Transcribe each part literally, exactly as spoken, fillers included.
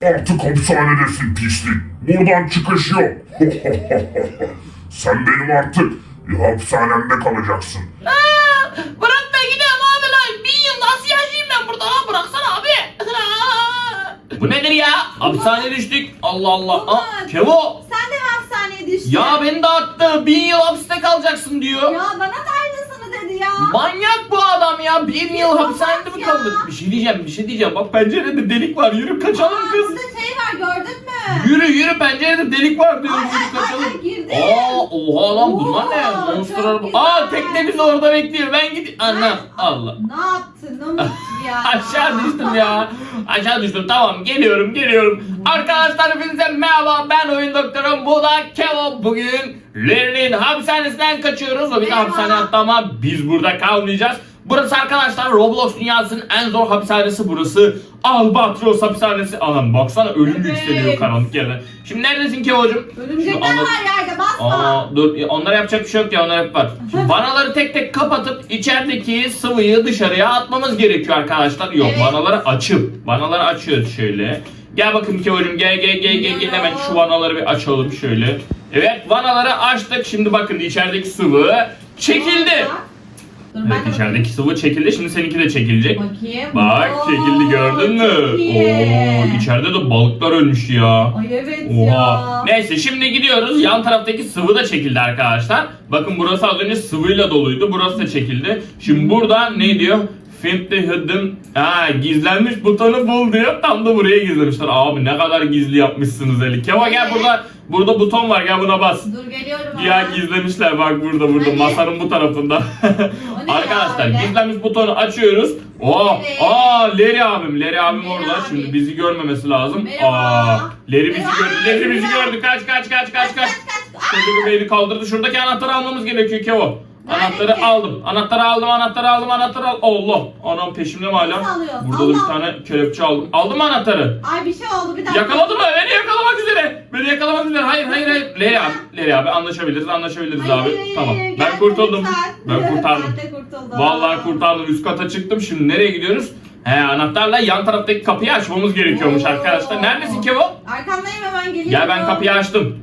Artık hapishanedesin pislik. Buradan çıkış yok. Sen benim artık hapishanemde kalacaksın. Aa, bırak da gidelim abi lan. Bir yıl nasıl yaşayayım ben burada lan? Bıraksana abi. Bu nedir ya? Hapishaneye düştük. Allah Allah. Aa, Umut. Kevo. Sen de mi hapishaneye düştün? Ya beni de attı. Bin yıl hapiste kalacaksın diyor. Ya bana da aynısını dedi ya. Manyak bu adam ya. Bir yıl hapishanede mi ya. kalır? Bir şey diyeceğim, bir şey diyeceğim. Bak pencerede delik var. Yürü kaçalım Aa, kız. burada şey var gördün mü? Yürü yürü pencerede delik var diyorum. Ay, Yürü ay, ay, kaçalım. ay, girdim. Aa, oha lan bunlar ne? Oo, Monster çok araba. güzel. Aa tekne bizi orada bekliyor. Ben gideyim. Anam Allah. Ne yaptın Umut ya? Aşağı düştüm ya. Aşağı düştüm. Tamam geliyorum geliyorum. Arkadaşlar hepinize merhaba. Ben oyun doktorum. Bu da Kevo. Bugün Larry'nin hapishanesinden kaçıyoruz. O bir de Merhaba. hapishane attı ama biz burada kalmayacağız. Burası arkadaşlar Roblox dünyasının en zor hapishanesi burası. Albatros hapishanesi. Anam baksana ölüm Evet. yükseliyor karanlık yerden. Şimdi neredesin Kevo'cum? Örümcekler Şunu anlat- var yerde basma. Aa, dur onlara yapacak bir şey yok ya, onlar hep var. Şimdi vanaları tek tek kapatıp içerideki sıvıyı dışarıya atmamız gerekiyor arkadaşlar. Yok, Evet. vanaları açıp vanaları açıyoruz şöyle. Gel bakayım Kevo'cum, gel gel gel gel gel hemen şu vanaları bir açalım şöyle. Evet, vanaları açtık. Şimdi bakın içerideki sıvı çekildi. Dur, Evet, ben de içerideki sıvı çekildi. Şimdi seninki de çekilecek. bakayım. Bak Oo, çekildi, gördün mü? çok iyi. Oo, içeride de balıklar ölmüş ya. Ay evet Oha. ya. Neyse şimdi gidiyoruz. Yan taraftaki sıvı da çekildi arkadaşlar. Bakın burası az önce sıvıyla doluydu. Burası da çekildi. Şimdi burada ne diyor? Find the hidden... Ha, gizlenmiş butonu bul diyor. Tam da buraya gizlemişler. Abi ne kadar gizli yapmışsınız Eli. Keva gel, Evet. burada burada buton var, gel buna bas. Dur geliyorum Ya ama. gizlemişler bak burada burada Hani? masanın bu tarafında. O ne ya Arkadaşlar öyle? gizlenmiş butonu açıyoruz. Oo, Evet. aa Larry abim, Larry abim Larry orada. abi. Şimdi bizi görmemesi lazım. Merhaba. Aa, Larry bizi Merhaba. gördü. Larry bizi Merhaba. gördü. Kaç kaç kaç kaç kaç. kaç. Çocuğu beni kaldırdı. Şuradaki anahtarı almamız gerekiyor Kevo. Nerede Anahtarı ki? aldım. Anahtarı aldım. Anahtarı aldım. Anahtarı aldım. Allah. Anam peşimde mi hala? Nasıl alıyorsun? Burada da bir Allah. tane kelepçe aldım. Aldın mı anahtarı? Ay bir şey oldu bir dakika. Yakaladı mı? Beni yakalamak üzere. Beni yakalamak üzere. Hayır hayır hayır. Larry abi. Larry abi anlaşabiliriz. Anlaşabiliriz Hayır, abi. hayır, Tamam. hayır, Ben gel, kurtuldum. lütfen. Ben kurtardım. Ben de kurtuldum. Vallahi kurtardım. Üst kata çıktım. Şimdi nereye gidiyoruz? He, anahtarla yan taraftaki kapıyı açmamız gerekiyormuş Oo. arkadaşlar. Neredesin Kevo? Arkandayım hemen geliyorum. Gel, ben kapıyı açtım.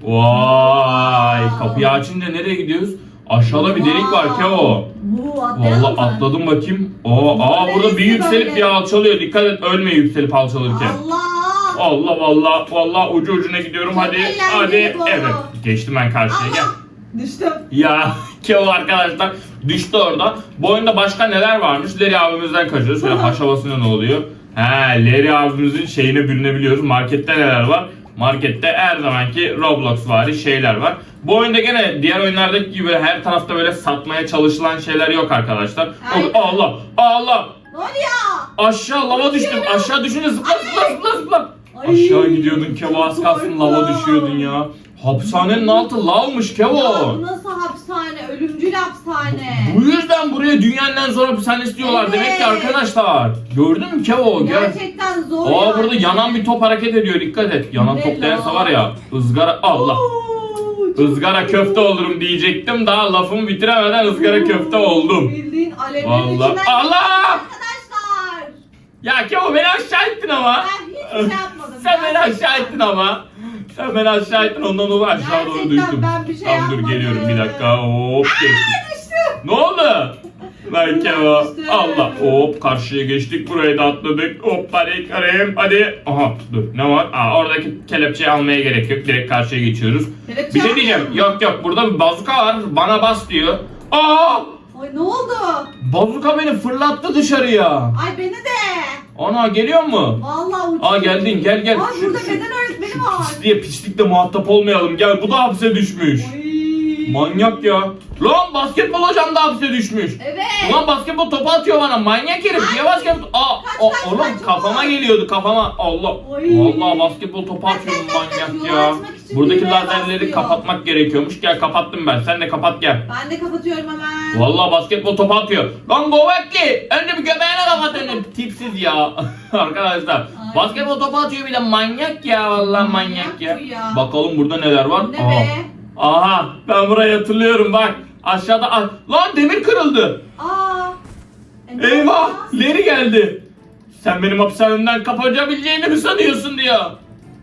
Vay, kapıyı açınca nereye gidiyoruz? Aşağıda bir delik var Kevo. Oo, atlayalım Vallahi mı? atladım bakayım. Aa, aa burada bir yükselip bir alçalıyor. Dikkat et, ölme yükselip alçalırken. Allah. Allah vallahi vallahi ucu ucuna gidiyorum. Çok Hadi eğlenceli hadi. bu. Evet, geçtim ben karşıya. Gel. Allah. Düştüm. Ya Kevo arkadaşlar düştü orada. Bu oyunda başka neler varmış? Larry abimizden kaçıyoruz. Şöyle haşabasına ne oluyor? He, Larry abimizin şeyine bürünebiliyoruz. Markette neler var? Markette her zamanki Roblox vari şeyler var. Bu oyunda gene diğer oyunlardaki gibi her tarafta böyle satmaya çalışılan şeyler yok arkadaşlar. Aynen. Allah Allah. Ne oluyor? Aşağı lava düştüm. Aşağı düşünce zıpla zıpla zıpla zıpla. Ay. Aşağı gidiyordun Kevo, az kalsın lava Korkunç. düşüyordun ya. Hapishanenin altı lavmış Ya Kevo. bu nasıl hapishane? Ölümcül hapishane. Bu yüzden buraya dünyanın en zor hapishanesi diyorlar Evet. demek ki arkadaşlar. Gördün mü Kevo? Gel. Gerçekten zor Aa, yani. burada yanan bir top hareket ediyor, dikkat et. Yanan Ne top denirse la? var ya, ızgara Allah. Oo, çok Izgara köfte olurum diyecektim, daha lafımı bitiremeden ızgara köfte oldum. Bildiğin alevlerin Vallahi. içinden Allah! Arkadaşlar. Ya Kevo beni aşağı ettin ama. Ben hiçbir şey yapmadım. Sen beni Gerçekten. aşağı ettin ama. Sen beni aşağı ettin, ondan dolayı aşağı doğru Gerçekten düştüm. ben bir şey Tamam dur, yapmadım. geliyorum bir dakika. Hop geçtim. Düştüm. Ne oldu? Ben Kevo. Düştüm. Allah. Hop karşıya geçtik. Burayı da atladık. Hop hadi karayım. Hadi. Aha dur, ne var? Aa, oradaki kelepçeyi almaya gerek yok. Direkt karşıya geçiyoruz. Kelepçe Bir şey almıyor diyeceğim. musun? Yok yok, burada bir bazuka var. Bana bas diyor. Aa! Ay ne oldu? Bazuka beni fırlattı dışarıya. Ay beni de. Ana geliyor mu? Vallahi uçtum. Aa geldin, gel gel. Ay Şu- burada şu- beden öğretmeni var. Pisliğe pislikle muhatap olmayalım. Gel, bu da hapse düşmüş. Ay. Manyak ya. Lan basketbol hocam da hapse düşmüş. Evet. Ulan basketbol topu atıyor bana, manyak herif. Niye basketbol... Aa, Kaç, o- kaç, oğlum kaç, kafama kaç. geliyordu, kafama. Allah. Ay. Vallahi basketbol topu Kaç, atıyorum, kaç, kaç, kaç. manyak Yolu ya. açmak için Buradaki düğmeye lazerleri basıyor. kapatmak gerekiyormuş. Gel, kapattım ben. Sen de kapat gel. Ben de kapatıyorum hemen. Vallahi basketbol topu atıyor. Lan Govekli! Önce bir göbeğine kapat önce. Tipsiz ya. Arkadaşlar. Ay. Basketbol topu atıyor bir de, manyak ya. Vallahi manyak, Manyak ya. bu ya. Bakalım burada neler var. Ne Aha. be? Aha, ben burayı hatırlıyorum bak. Aşağıda ah, lan demir kırıldı. Aa. E, ne Eyvah, yapacağız? Larry geldi. Sen benim hapishanemden kaçabileceğini mi sanıyorsun diyor.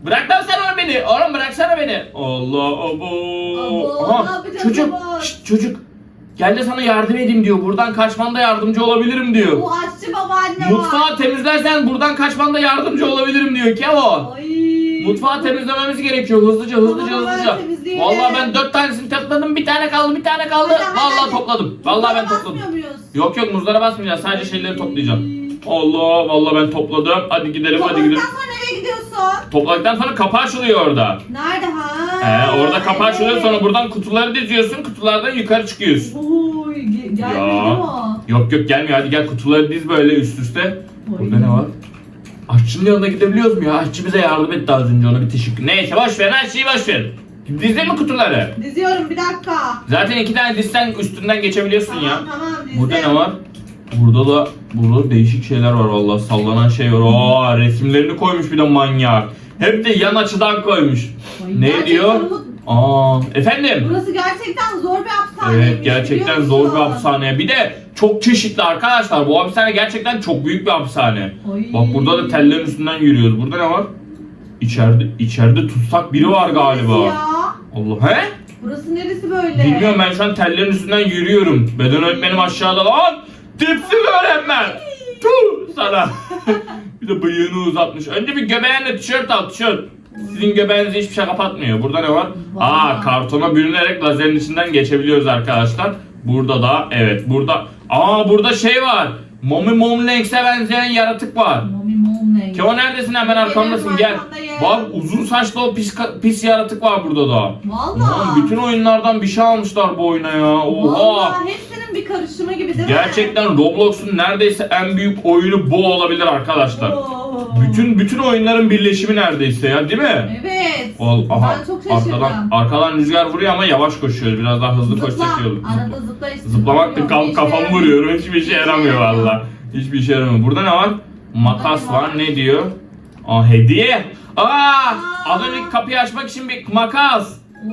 Bırak lan sen onu beni. Oğlum bıraksana beni. Allah abo. Abo, ne yapacağız çocuk. baba? Şşt, çocuk. Gel de sana yardım edeyim diyor. Buradan kaçmanda yardımcı olabilirim diyor. Bu aşçı babaanne var. Mutfağı temizlersen buradan kaçmanda yardımcı olabilirim diyor Kevo. Ay. Mutfağı temizlememiz gerekiyor. Hızlıca hızlıca Tamam, ben hızlıca. temizleyelim. Vallahi ben dört tanesini topladım. Bir tane kaldı bir tane kaldı. Hadi, hadi, Vallahi hadi. topladım. Vallahi ben Mutfağa topladım. basmıyor muyuz? Yok yok muzlara basmayacağız. Sadece şeyleri toplayacağım. Allah vallahi ben topladım. Hadi gidelim hadi gidelim. Topladıktan sonra nereye gidiyorsun? Topladıktan sonra kapı açılıyor orada. Nerede ha? He, orada kapı evet. açılıyor sonra buradan kutuları diziyorsun. Kutulardan yukarı çıkıyorsun. Oy, ge- gelmedi Ya. mi o? Yok yok gelmiyor. Hadi gel kutuları diz böyle üst üste. Burada ne var? Aşçının yanına gidebiliyoruz mu ya? Aşçı bize yardım etti az önce, ona bir teşekkür. Neyse boş ver, her şeyi boş ver. Dizdin mi kutuları? Diziyorum bir dakika. Zaten iki tane dizsen üstünden geçebiliyorsun Tamam ya. tamam dizdim. Burada ne var? Burada da burada değişik şeyler var vallahi, sallanan şey var. Aa, resimlerini koymuş bir de manyak. Hep de yan açıdan koymuş. Ay, Ne gerçekten diyor? bu- Aa, efendim? Burası gerçekten zor bir hapishaneymiş. Evet, gerçekten biliyor zor bir musun? hapishane. Bir de çok çeşitli arkadaşlar. Bu hapishane gerçekten çok büyük bir hapishane. Ay. Bak burada da tellerin üstünden yürüyoruz. Burada ne var? İçeride içeride tutsak biri var galiba. Neresi ya? Allah, he? Burası neresi böyle? Bilmiyorum, ben şu an tellerin üstünden yürüyorum. Beden öğretmenim aşağıda lan. Tipsiz öğretmen. Tuh sana. Bir de bıyığını uzatmış. Önce bir göbeğinle tişört al, tişört. Sizin göbeğinizi hiçbir şey kapatmıyor. Burada ne var? Vay. Aa, kartona bürünerek lazerin içinden geçebiliyoruz arkadaşlar. Burada da evet burada. Aa, burada şey var. Mommy Momlenx'e benzeyen yaratık var. Mami Momley. Keo neredesin? Hemen arkamdasın, gel. arkandayım. Bak, uzun saçlı o pis, pis yaratık var burada da. Valla. Lan bütün oyunlardan bir şey almışlar bu oyuna ya. Oha. Valla hepsinin bir karışımı gibi değil mi? Gerçekten Roblox'un neredeyse en büyük oyunu bu olabilir arkadaşlar. Oo. Bütün bütün oyunların birleşimi neredeyse ya, değil mi? Evet. Ol, aha, Ben çok şaşırdım. arkadan, arkadan rüzgar vuruyor ama yavaş koşuyoruz. Biraz daha hızlı koşsak iyi olur. Arada zıpla işte. Zıplamak da Zıplıyorum. kaf, Bir kafamı şey vuruyorum. Hiçbir işe Bir yaramıyor şey yaramıyor. valla. Hiçbir işe yaramıyor. Burada ne var? Makas Burada ne var. var? Ne diyor? Aa, hediye. Aa, Aa. az önceki kapıyı açmak için bir makas.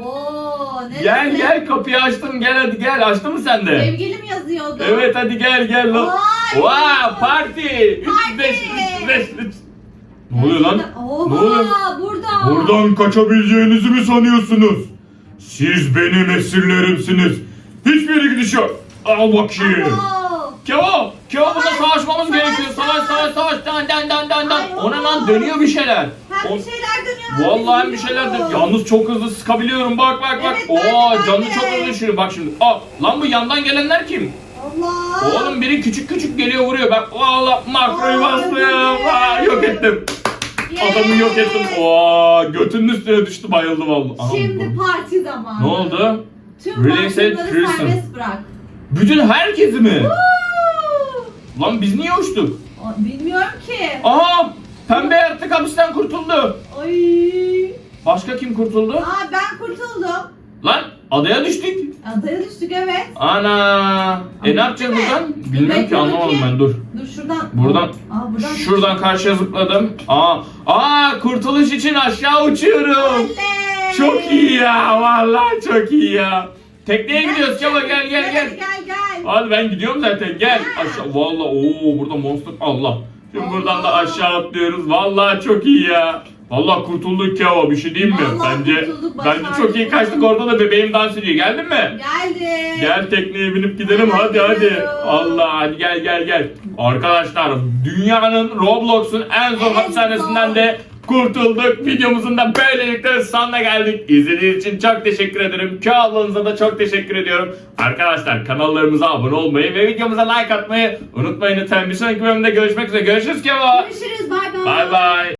Oo, neresi? Gel gel, kapıyı açtım, gel hadi gel. Açtın mı sen de? Sevgilim yazıyordu. Evet hadi gel gel lan. Vay. Vay, parti. üç Parti. beş üç beş üç. Ne oluyor lan? Oha, Ne oluyor? burada. Buradan kaçabileceğinizi mi sanıyorsunuz? Siz benim esirlerimsiniz. Hiçbir yere gidiş yok. Al bakayım. Oo. Kevo, Kevo burada Savaş, savaşmamız savaş, gerekiyor. Savaş savaş savaş. Dan dan dan dan dan. Ay, Ona lan oo. dönüyor bir şeyler. Hem O- bir şeyler dönüyor. Vallahi bir şeyler dönüyor. Yalnız çok hızlı sıkabiliyorum. Bak bak bak. Evet, ben de, Oo, ben canı de. çok hızlı düşürüyor. Bak şimdi. Aa, lan bu yandan gelenler kim? Allah. Oğlum biri küçük küçük geliyor vuruyor. Ben valla makroyu Aa, bastım. evet. Aa, yok ettim. Yay. Adamı yok ettim. Oo, götünün üstüne düştü, bayıldı vallahi. Aha, Şimdi bu- parti zamanı. Ne oldu? Tüm Release mahkumları prison. serbest bırak. Bütün herkesi mi? Woo! Lan biz niye uçtuk? Aa, bilmiyorum ki. Aha! Pembe yaratık hapisten kurtuldu. Ay. Başka kim kurtuldu? Aa, ben kurtuldum. Lan adaya düştük. Adaya düştük evet. Ana! E ne yapacağız Değil mi? buradan? Bilmiyorum ki, Bekle anlamadım bakayım. ben, dur. Dur şuradan. Buradan- Aa, buradan. Şuradan karşıya zıpladım. Aa! Aa! Kurtuluş için aşağı uçuyorum. Oley! Çok iyi ya, vallahi çok iyi ya. Tekneye gidiyoruz, Kemal gel gel gel. Gel gel gel. Hadi ben gidiyorum zaten, gel. Ha. Aşağı, vallahi ooo burada monster, Allah. Şimdi Allah. buradan da aşağı atlıyoruz, vallahi çok iyi ya. Vallahi kurtulduk ya, bir şey diyeyim mi? Vallahi Bence kurtulduk, bence başardık. çok iyi kaçtık, orada da bebeğim dans ediyor. Geldin mi? Geldi. Gel tekneye binip gidelim, Hemen hadi hadi. gidiyorum. Allah, hadi gel gel gel. Arkadaşlar, dünyanın Roblox'un en zor En hapishanesinden zor. de kurtulduk. Videomuzun da böylelikle sonuna geldik. İzlediğiniz için çok teşekkür ederim. Kö ablanıza da çok teşekkür ediyorum. Arkadaşlar, kanallarımıza abone olmayı ve videomuza like atmayı unutmayın lütfen. Bir sonraki bölümde görüşmek üzere. Görüşürüz Kevo. Görüşürüz. Bay bay. Bay bay.